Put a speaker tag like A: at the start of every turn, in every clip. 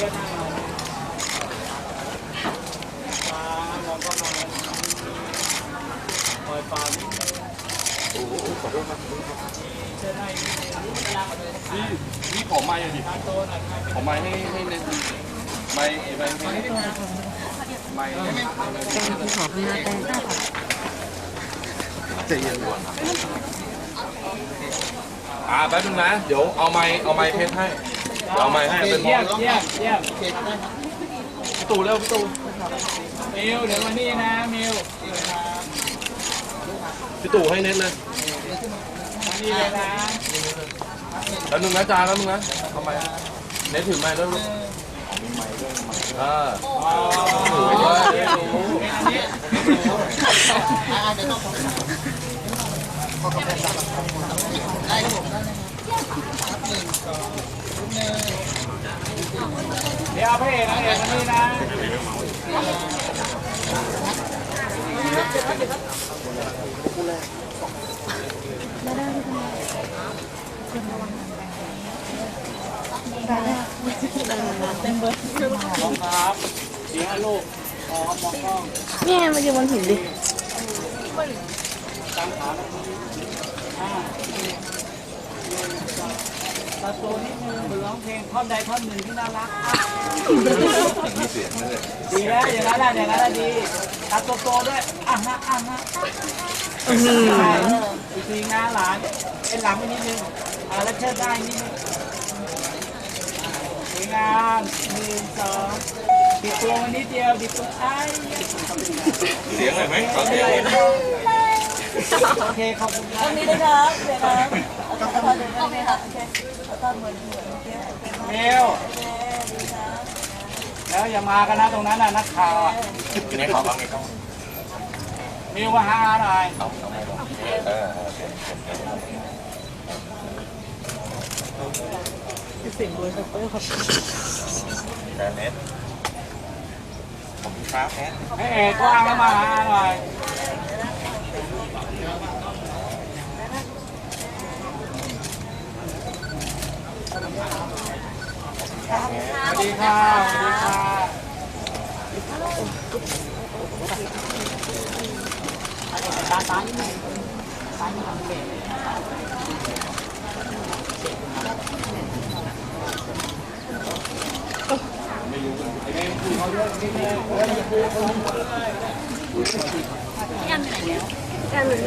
A: ก็นั่งเอาปลามองก็มาปล่อยปลานิดนึงโอ้โหขอโทษครับเชิญให้
B: นี่ขอไม้ดิขอไม้ให้เน้นไม้
C: แป้งที่ขอข้างหน้าแป้ง
B: ใจเย็นก่อนแป๊บนึงนะเดี๋ยวเอาไม้เพชรให้เอาไม้ให้เป็นมอง
A: เยี่ยม
B: พี่ตู่เร็วพี่ตู่
A: มิวเดี๋ยวมานี่นะมิว
B: พี่ตู่ให้เน้นเลย
A: มานี่เลยนะ
B: แล้วนึงนะจานแล้วนึงนะทำไมเน้นถือไม้แล้วลูกถือไว้ด้วย
A: เดี๋ยวเอาพระเอกนางเอกมานี่นะมองครับเสียงลูกมองกล้อง
C: เนี่ยมาอยู่บนหินดิ
A: ตั้งขาตรงนี้ตาโตนิดนึงร้องเพลงท่อนใดท่อนหนึ่งที่น่ารัก
B: มีเสียงนั่นเลย
A: ดีแล้วอย่างนั้นดีตาโตด้วยอีกทีงานหลานเป็นหลังไปนิดนึงแล้วเชิดได้นิดนึงสวยงาม1 2ติดตัวมานิดเดียวติดตัว
B: เสียงอะไรไหมขอเสียง
A: โอเคขอบคุณครั
C: บตรงนี้เลยครับเดี๋ยวครับโอเคครับโอเคแล้วก็เหมือน
A: เมลแล้วอย่ามากันนะตรงนั้นน่ะนักข่าว
B: นี่ขอบ้างไงครับ
A: มิวมาหาหน่อย
C: เสียงด้วยครับครับ
B: แเน็ตผมครับแ
A: ให้เอกว้างแล้วมาหาหน่อยสวัสดีค่ะตานี่ไม่ทำเป็น
C: กันไหนแล้วกันนี่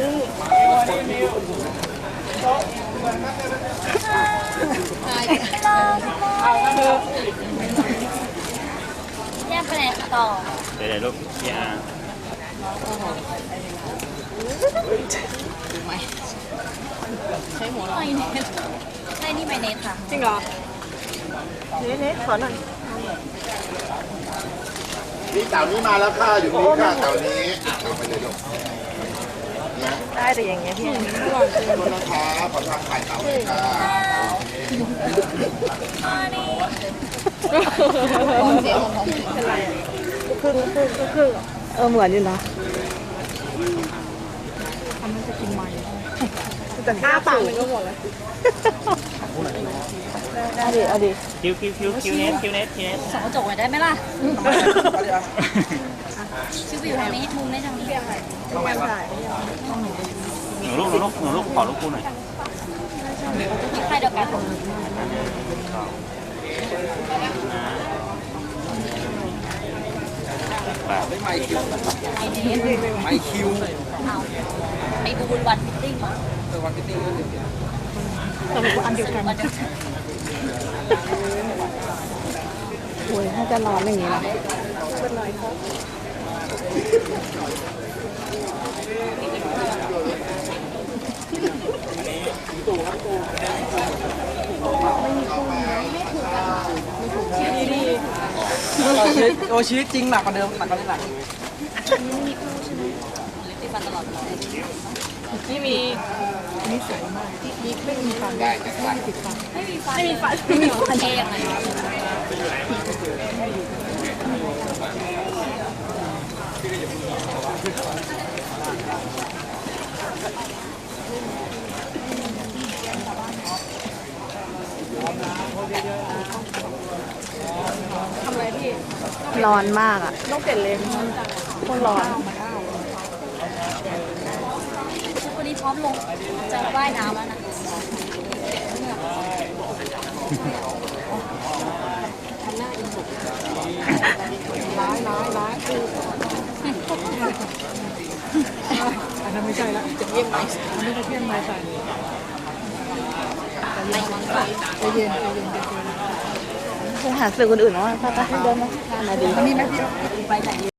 A: เอาแล้วเธอ
C: แยกไปไหนต่อ
D: เดี๋ยวลูกยา
C: ใช้หัวหน่อยเนี่ยใช่นี่ไมเนสค่ะ
E: จริงเหรอเน็ตขอหน่อย
F: นี่เต่านี้มาแล้วค่ะอยู่นี่ค่ะเต่านี้เอาไปเลยลูก
E: ได้แต่อย่างเงี้ยพี่
F: ขอโทษนะคะขอทางถ่ายเต่าเลยค่ะ
E: เป็นไรครึ่งเหมือนอยู่นะทำให้จะกินมันแต่หน้าปากมันก็หมดแล้วเอาดิ
D: คิวเน็ต
C: สองกระจกหน่อยได้ไหมล่ะชื่อไปอยู่ทางนี้มุมได้ทางนี้
D: หนูลูกขอลูกคู่หน่อย
C: มีใครเดียวกัน
B: ไม่คิว
C: ไอ้บูนวันฟิตติ้ง
B: วันฟิตติ้ง
E: แต่เป็นอันเดียวกันโอ้ยถ้าจะร้อนอย่างนี้นะเป็นไรครับ
A: โอชีวิตจริงหนักกว่าเดิมหนักกว่านี้หนัก
C: ที่ฟันตลอด
E: นี่มีนี่สวยมากที่ไม่มีฟันได้ไม่มีฟัน
C: ไม่มีฟันเองเลยร้อนมากอ่ะ
E: ต้องเปลี่ยนเลนคนร้อน
C: วันนี้พร้อมลงจะว่ายน้ำแล้วนะ
E: ร้ายอันนั้นไม่ใช่ละจะเยี่ยมไหมอันนี้จะเยี่ยมไหมใส่ใจเย็น
C: คงหาสื่อคนอื่นว่าป้าเดินมาดี
E: อันนี้ไหมพี่
C: ไปไหน